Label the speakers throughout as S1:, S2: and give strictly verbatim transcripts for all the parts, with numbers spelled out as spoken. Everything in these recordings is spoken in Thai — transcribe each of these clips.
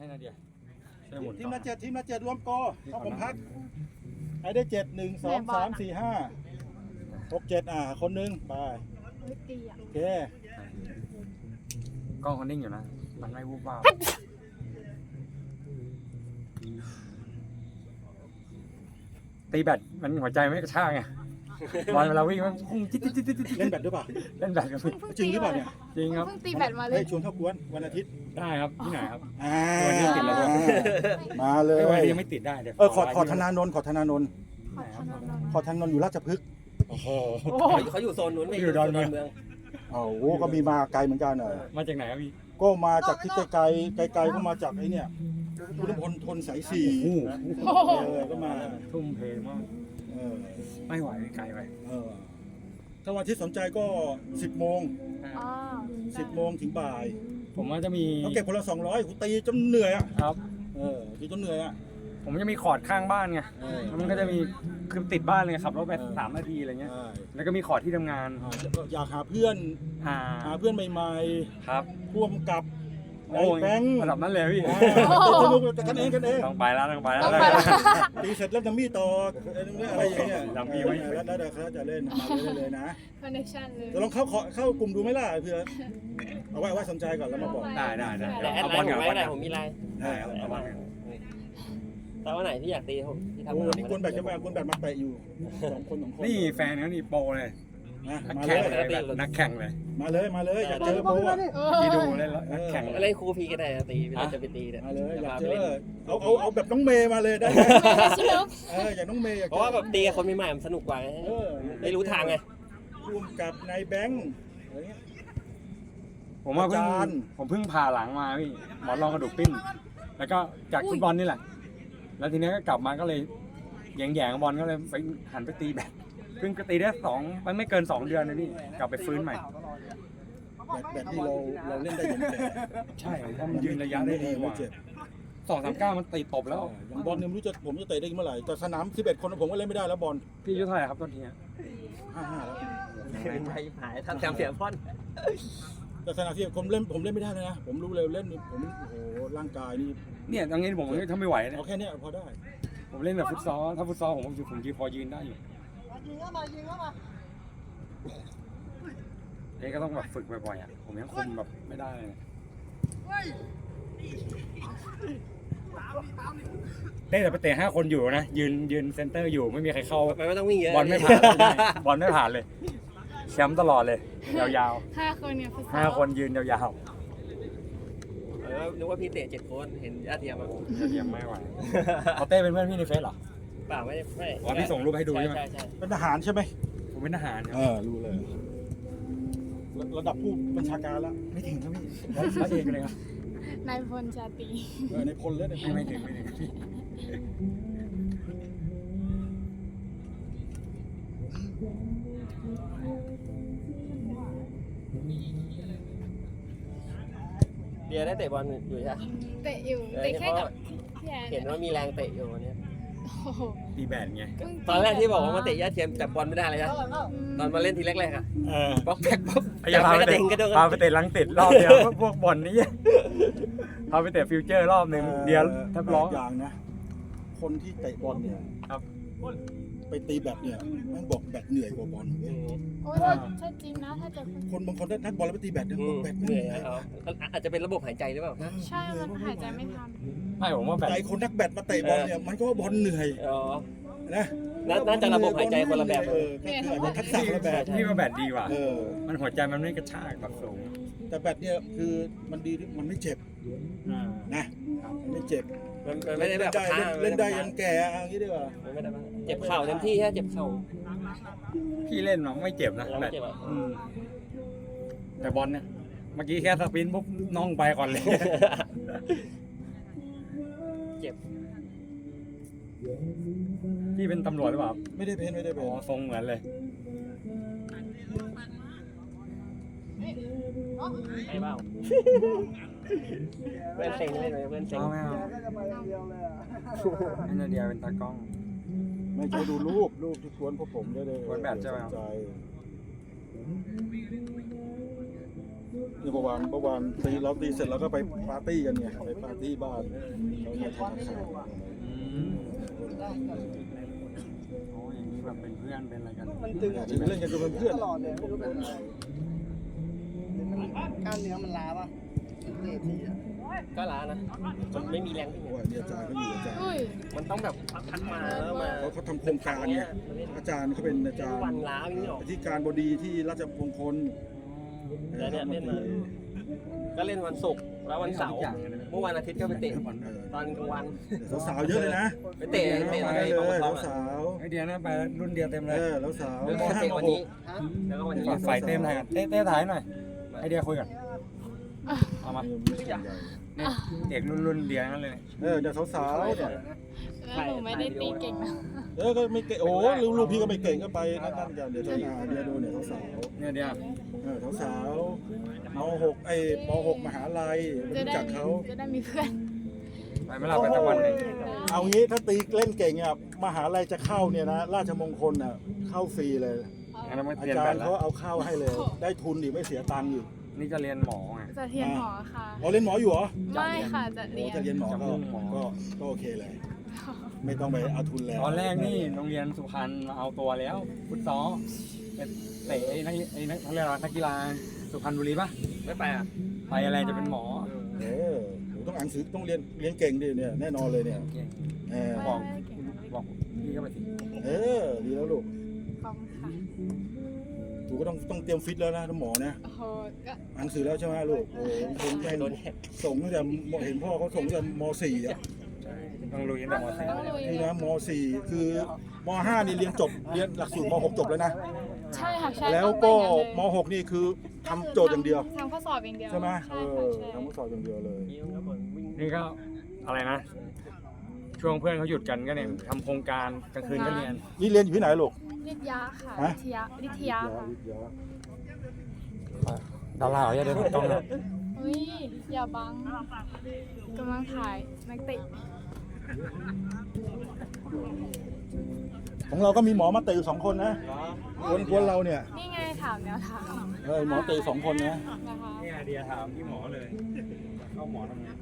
S1: นาเดีย
S2: ทีมละเจ็ดทีมละเจ็ดรวมโกเข้าผมพักใครได้เจ็ดหนึ่งสองสามสี่ห้าหกเจ็ดอ่าคนนึงไปโอเค
S1: กล้องคนนิ่งอยู่นะมันไม่วูบวาบตีแบตมันหัวใจไม่กระชากไงบอลเวลาวิ่งมันพุ่งจิ๊ดจิ๊ดจิ๊ดจิ๊ด
S2: เล่นแบดด้วยป่ะ
S1: เล่นแบตกัน
S2: จริงหรือเปล่าเนี่ย
S1: จริงครับ
S3: เพิ่งตีแบตมาเลย
S2: ชวนเข้ากวนวันอาทิตย์
S1: ได้ครับที่ไหนครับ
S2: อ่า
S1: วันนี้ติดแล้ว
S2: มาเลย
S1: วันนี้ยังไม่ติดได้เดี๋ยว
S2: เออขอขอธนานนท์ขอธนานนท์ขอธนานนท์อยู่ราชพฤกษ์
S1: โอ้โห
S4: เขาอยู่โซนนู้นไม่
S1: อยู่ดอนเมือง
S2: โอ้โหก็มีมาไกลเหมือนกันเออ
S1: มาจากไหนครับพี่
S2: ก็มาจากที่ไกลไกลไกลก็มาจากไอ้เนี่ยพุทธพลทนสายสี่เออก็มา
S1: ทุ่มเทมากไม่ไหวไกลไป
S2: ถ้าวันที่สนใจก็สิบโมงสิบโมงถึงบ่าย
S1: ผมว่าจะมี
S2: เขาเก็บคนละสองร้อยกูตีจนเหนื่อยอ่ะ
S1: ครับ
S2: เออตีจนเหนื่อยอ่ะ
S1: ผมจะมีคอร์ดข้างบ้านไงมันก็จะมีคือติดบ้านเลยขับรถไปสามนาทีอะไรเงี้ยแล้วก็มีคอร์ดที่ทำงาน
S2: อยากหาเพื่อนหาเพื่อนใหม่
S1: ๆครับ
S2: ร่วมกับไอ้แบงค์
S1: ระดับนั้นเลยพี่
S2: สนุกกันเองกันเอง
S1: ต้องไปแล้วต้องไปแล้ว
S2: ตีเสร็จแล้วจะมีต่ออะไรอย่างเงี้ยแล้วมีไว้แล้วเดี๋ยวเขาจะเล่นมาเลยนะ
S3: คอนเนคชั่นเลย
S2: จะลองเข้าเข้ากลุ่มดูไหมล่ะเพื่อเอาไว้ไว้สนใจก่อนแล้วมาบอก
S1: ได้ได้ได้
S4: แอดไลน์ผมไว้ได้ผมมีไลน์
S1: ได้ครับเอาไว้
S4: แต่ว่าไหนที่อยากตีผมที่ทำ
S2: โอ้นี่คนแบบจะมาคนแบบมาเตะอยู่สองคนสองคน
S1: นี่แฟนเขานี่โปรเลยนักแข่งเลยนักแข่งเลย
S2: มาเลยมาเลยอยากเจอโปร
S1: ที่ดูเลยนักแข่ง
S4: อะไรครูพีก็ได้ตีเราจะไปตีเนี่ย
S2: มาเลยอยากเจอเอาเอาเอาแบบน้องเมย์มาเลยได้ไหมเอออย่างน้องเมย์
S4: เพราะว่าแบบตีกับคนใหม่ๆมันสนุกกว่าได้รู้ทางไง
S2: ร่วมกับนายแบงค์อะไรเงี้ย
S1: ผมว่าเพิ่งผมเพิ่งผ่าหลังมาพี่หมอนรองกระดูกปิ้นแล้วก็จากฟุตบอลนี่แหละแล้วทีนี้ก็กลับมาก็เลยแย่งๆบอลก็เลยไปหันไปตีแบดเพิ่งตีได้สองมันไม่เกินสองเดือนนะพี่กลับไปฟื้นใหม่
S2: แบบแบบที่เราเราเล่นได้ยังไง
S1: ใช่เพราะมันยืนระยะได้ดีกว่าสองสามเก้ามันตีตบแล้ว
S2: อย่างบอลเนี่ยไม่รู้จะผมจะเตะได้เมื่อไหร่แต่สนามสิบเอ็ดคนผมก็เล่นไม่ได้แล้วบอล
S1: พี่อายุเท่าไหร่ครับตอนนี้
S2: ห้าห้าแล้ว
S4: ไปหายทำแถมเสียพ่อน
S2: แต่สนามที่ผมเล่นผมเล่นไม่ได้เลยนะผมรู้เลยเล่นผมโอ้โหร่างกายนี่
S1: เนี่ยตรงนี้ผมทำไม่ไหวนะ
S2: เอาแค่นี้พอได้
S1: ผมเล่นแบบฟุตซอลถ้าฟุตซอลผมผมยืนพอยืนได้อยู่
S5: ยิงเข้ามายิงเข้ามา
S1: เอ้ก็ต้องแบบฝึกบ่อยๆอ่ะผมยังคุมแบบไม่ได้เลยเล่นแต่ไปเตะห้าคนอยู่นะยืนยืนเซนเตอร์อยู่ไม่มีใครเข้า
S4: ไม่ต้องวิ่งเยอะ
S1: บอลไม่ผ่านบอลไม่ผ่านเลยแชมป์ตลอดเลยยาว
S3: ๆห้าคนเนี่ย
S1: ห้าคนยืนยาว
S4: ๆนึกว่าพี่เตะเจ็ดคนเห็นญาติเทียมอ่ะ
S1: ญาติเทียมไม่ไหวเขาเต้เป็นเพื่อนพี่ในเฟซเหรอ
S4: เปล่าไม่ไม่
S1: อ๋อพี่ส่งรูปให้ดูใช่ไหม
S2: เป็นทหารใช่ไหม
S1: ผมเป็นทหาร
S2: เออรู้เลยระดับผู้บัญชาการแล้ว
S1: ไม่ถึงครับพี่ร้อยเอกเลยครับ
S3: นายพลชาตรี
S2: เออนายพลเลย
S1: ไม่ถึงไม่ถึง
S4: เดียได้เตะบอลอยู่ใช่ไหม
S3: เตะอยู่เตะแค่กับ
S4: เห็นว่ามีแรงเตะอยู่เนี่ย
S1: ตีแบดไง
S4: ตอนแรกที่บอกว่ามาเตะญาติเทียมจับบอลไม่ได้เลยนะตอนมาเล่นทีแรกๆอ่ะบล็อกแพ็กปุ๊บ
S1: จับไปเตะพาไปเตะลังติดรอบเดียวพวกบอลนี่พาไปเตะฟิวเจอร์รอบหนึ่งเดียวแทบร้อง
S2: อย่างนะคนที่เตะบอลเนี่ย
S1: ครับ
S2: ไปตีแบดเนี่ยมันบอกแบดเหนื่อยกว่าบอลเลย
S3: โอ้ยใช่จริงนะถ้าเจอ
S2: คนบางคนนักบอลแล้วไปตีแบดเนี่ยบอกแบดเหนื่อย
S4: อาจจะเป็นระบบหายใจหรือเปล่า
S3: ใช่มันหายใจไม่ทัน
S1: ไม่ผมว่าแบด
S2: ใจคนนักแบดมาเตะบอลเนี่ยมันก็บอลเหนื่อยนะ
S4: น่าจะระบบหายใจคนละแบบ
S2: เออทักษะคนละแบบ
S1: ที่ว่าแบดดีกว่ามันหัวใจมันไม่กระชากแบบสูง
S2: แต่แบดเนี่ยคือมันดีมันไม่เจ็บนะมันไม่เจ็บ
S4: มันไม่ได้แบบ
S2: เล่นได้ยันแก่อย่างนี้ดีกว่า
S4: เจ็บเข่าเต็มที่แค่เจ็บเข่า
S1: พี่เล่นมันไม่เจ็บนะแบบแต่บอลเนี่ยเมื่อกี้แค่สปินปุ๊บน้องไปก่อนเลย
S4: เจ็บ
S1: พี่เป็นตำรวจหรือเปล่า
S2: ไม่ได้เป็นไม่ได้เป็น
S1: อ๋อทรงเหมือนเลย
S4: ไม่เบ้าเพื่อนเซ็งเลยเพื่อนเซ็ง
S1: ไม่เอาไม่นาเดียเป็นตากล้อง
S2: ไม่ใช่ดูรูปรูปที่ชวนพวกผมได้เลย
S1: วันแบบใช่ไหม
S2: เมื่อวานเมื่อวานตีเราตีเสร็จแล้วก็ไปปาร์ตี้กันไงไปปาร์ตี้บ้านเราเนี่ยทำข่าว
S1: อืมโอ้อย่างนี้แบบเป็นเพื่อนเป็นอะไรกัน
S5: มันตึงอ่ะ
S2: จริงเล่นกันจนเป็นเพื่อน
S5: ตลอดเลยไม่รู้เป็นอะไรกล้ามเนื้อมันล้าป่ะเตะทีอ่ะ
S4: ก็ล้านะมันไม่มีแรงที่
S2: โอ้ยเนี่ยอาจารย์เขาอยู่อาจารย์
S3: อุ้ย
S4: มันต้องแบบพักมาแล้วมา
S2: เขาเขาทำโครงการเนี่ยอาจารย์เขาเป็นอาจารย์
S4: วันล้าอย่างนี้หรอ
S2: ที่การบดีที่ราชมงคล
S4: แล้วเนี่ยเล่นมา ก็เล่นวันศุกร์แล้ววันเสาร์เมื่อวันอาทิตย์ก็ไปเตะตอนกลางวัน
S2: สาวๆเยอะเลยนะ
S4: ไปเตะเตะ
S2: ไป
S4: อะไร
S2: เล
S4: บาง
S2: ย
S4: คน
S2: สาว
S1: ไอเดียนะไปรุ่นเดียวเต็ม
S2: ๆ
S1: เล
S2: เอย อแล้วสาว
S4: แล้ว
S2: ม
S4: ก็
S2: ห้า
S4: เตะ
S2: ม
S4: วัน
S2: ห
S4: นี้
S2: ก
S4: แล้วก็วันนี้
S1: ฝ่ายเต็มไทยกันเต้เต้ถ่ายหน่อยไอเดียคุยกันเอามา
S2: ไม่ใช่ใหญ่
S1: เนี่ยเด็กรุ่นรุ่นเดียวนั่นเลย
S2: เออเดี๋ยวสาวๆเนี่ย
S3: แล้วหนูไม่ได้ตีเก่งนะ
S2: เออก็ไม่เก่งโอ้ลูกลูกพี่ก็ไม่เก่งก็ไปนั่นนั่นกันเดี๋ยวเธอมาเดี๋ยวดูเนี่ยสาว
S1: เนี่ยเดียว
S2: ๆเออสาวๆมหกไอ้มหกมหาลัย
S3: จะ
S2: รู้
S3: ได้
S2: จักเขา
S3: จะได้มีเพื่อน
S1: ไปไม่หลับไปสักวันหนึ่ง
S2: เอางี้ถ้าตีเล่นเก่งอ่ะมหาลัยจะเข้าเนี่ยนะราชมงคลอ่ะเข้าฟรีเลย
S1: งั้นไม่
S2: อา
S1: เรียน
S2: จา
S1: แบ
S2: ร
S1: บ
S2: ย์
S1: แล้
S2: เขา
S1: ว
S2: เอาเข้าให้เลย ได้ทุนอีกไม่เสียตังค์อีก
S1: นี่จะเรียนหมอไง
S3: จะเทียนหมอค่ะ
S2: อ๋อเล่นหมออยู่เหรอ
S3: ไม่ค่ะจะ
S2: โอ้
S3: เรียน
S2: จะเรียนหมอก็ก็ก็โอเคเลย ไม่ต้องไปเอาทุนแล้ว
S1: ตอนแรกนี่โรงเรียนสุพรรณมาเอาตัวแล้วฟุตซอลไปเตะไอ้นักไอ้นักเขาเรียกอะไรนักกีฬาสุพรรณบุรีปะ
S4: ไม่ไปอ่ะ
S1: ไปอะไรจะเป็นหมอ
S2: เออหนูต้องอ่านหนังสือต้องเรียนเรียนเก่งดิเนี่ยแน่นอนเลยเนี่ย
S1: เก่ง
S2: เออ
S1: บอกบอกพี่ก็ไปสิ
S2: เออดีแล้วลูก
S3: กองค่ะ
S2: หนูก็ต้องต้องเตรียมฟิตแล้วนะหมอเนี่ย
S3: โอ้โหก็
S2: อ่านหนังสือแล้วใช่ไหมลูกโอ้โหผมแม่งส่งตั้งแต่เห็นพ่อเขาส่งตั้งแต่ม .สี่ อ่ะ
S1: ต้องลุยตั้งแต่มสี่
S3: ต้องลุย
S2: นี่นะม .สี่ คือม .ห้า นี่เรียนจบเรียนหลักสูตรม .หก จบแล้วนะ
S3: ใช่ค่ะใช่
S2: แล้วก็
S3: ต้องเป็น
S2: ม
S3: อย่างนั้นเลย
S2: .หก นี่คือทำโจทย์อย่างเดียว
S3: ทำข้อสอบอย่างเดียว
S2: ใช่ไหมเอ
S3: ใช่
S2: อ
S3: ค่ะใช่
S2: ทำข้อสอบอย่างเดียวเลย
S1: นี่ก็อะไรนะ ช่วงเพื่อนเขาหยุดกันก็เนี่ยทำโครงการกลางคืนก็เรียน
S2: นี่เรียนอยู่ที่ไหนลูก
S3: วิทยาค่ะ
S2: ฮะ
S3: วิทยาวิทยาค่ะ
S2: วิทยา
S1: ดาราอย่าเดินถูกต้องนะ
S3: อุ้ยอย่าบังกำลังถ่ายนักเตะ
S2: ของเราก็มีหมอมาเตะอยู่สองคนนะกวนกวนเราเนี่ย
S3: นี่ไงถามแนวทาง
S2: เออหมอเตะสองคนนะ
S3: นะคะ
S1: นี่ไอเดียถามพี่หมอเลยเข้าหมอทำไง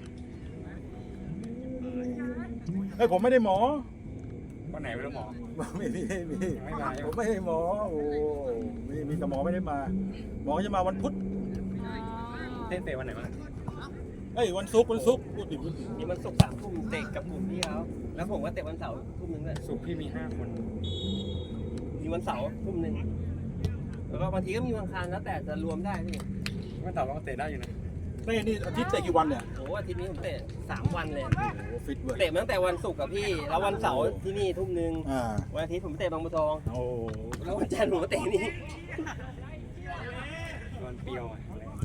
S2: เฮ้ยผมไม่ได้หมอ
S1: วันไหนไม่รู้หมอ
S2: ไม่มีไม่มี
S1: ไม่มา
S2: ผมไม่ได้หมอโอ้มีมีแต่หมอไม่ได้มา หมอจะมาวันพุธ
S3: อ๋อ
S1: เต้นเตะวันไหนมา
S2: เอ้ยวันศุกร์วันศุกร์พูดผิดพูดผิด
S4: นี่มันศุกร์สามทุ่มเตะกับกลุ่มพี่เขาแล้วผมก็เตะวันเสาร์ทุ่มนึงเลย
S1: สุกร์พี่มีห้าคน
S4: มีวันเสาร์ทุ่มนึงแล้วก็บางทีก็มีวันอังคารแล้วแต่จะรวมได้พี่
S1: ไม่ต่อเราก็เตะได้อยู่นะ
S2: เต้นี่อาทิตย์เตะกี่วันเนี่ย
S4: โอ้โหอาทิตย์นี้ผมเตะสามวันเลย
S2: โอ้ฟิตเว้ย
S4: เตะมาตั้งแต่วันศุกร์กับพี่ แล้ววันเสาร์ที่นี่ทุ่มนึง
S2: อ่า
S4: วันอาทิตย์ผมเตะบางบัวทอง
S2: โอ้
S4: แล้ววันจันทร์ผมก็เตะนี่
S1: วันเปรียวอ่ะ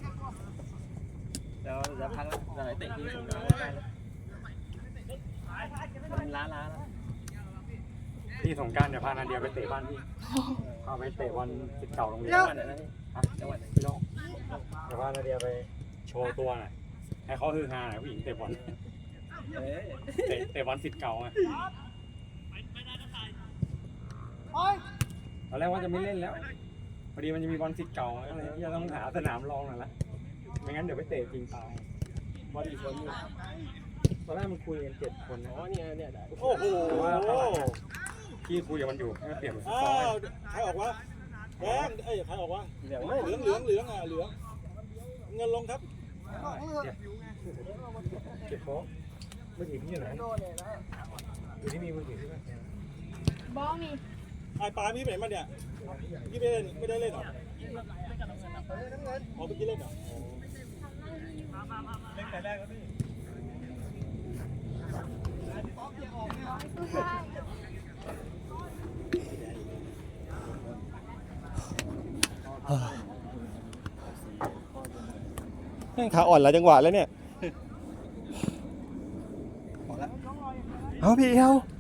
S4: แล้วจะพักแล้วจะเตะที่สงขลาได้แล้วมันล้าล้าแล้ว
S1: พี่สงกรารเดี๋ยวพานาเดียไปเตะบ้านพี่พาไปเตะวันสิบเก่าโรงเรียน
S4: จังหวัดไหนนะพี่
S1: ฮะ
S4: จังหวัดไหน
S1: พี่น้องเดี๋ยวพานาเดียไปโชว์ตัวหน่อยให้เขาฮือฮาหน่อยผู้หญิงเตะบอล
S4: เอ้ย
S1: เตะเตะบอลสิบเก่าไงตอนแรกว่าจะไม่เล่นแล้วพอดีมันจะมีบอลสิบเก่าก็เลยจะต้องหาสนามรองหน่อยละไม่งั้นเดี๋ยวไปเตะจริงตายบอลอีกคนนึงตอนแรกมันคุยกันเจ็ดคนนะ
S4: อ๋อเนี่ยเนี่ยได้
S2: โอ้โห
S1: แต่ว่าตอนหลังอะพี่คุยกับมันอยู่ให้มันเปลี่ยนเป็นฟุต
S2: อ้า
S1: ซอล
S2: วใครออกวะแดงเอ้ยใครออกวะ
S4: เหลือง
S2: เหลืองเหลืองเหลืองอ่ะเหลืองเงินลงครับ
S1: เก็บโค้กมือถือพี่อยู่ไหนอยู่ที่มีมือถือพี่ไหม
S3: บ้องมี
S2: ไอ้ปลาพี่ไปไหนมาเนี่ยพี่ไม่ได้เล่นไม่ได้เล่นเหรออ๋อเมื่อกี้เล่นเหรอเล่นแต่แรกแล้วพี่
S5: ขาอ่อนหลายจังหวะแล้วเนี่ย เอาพี่เอา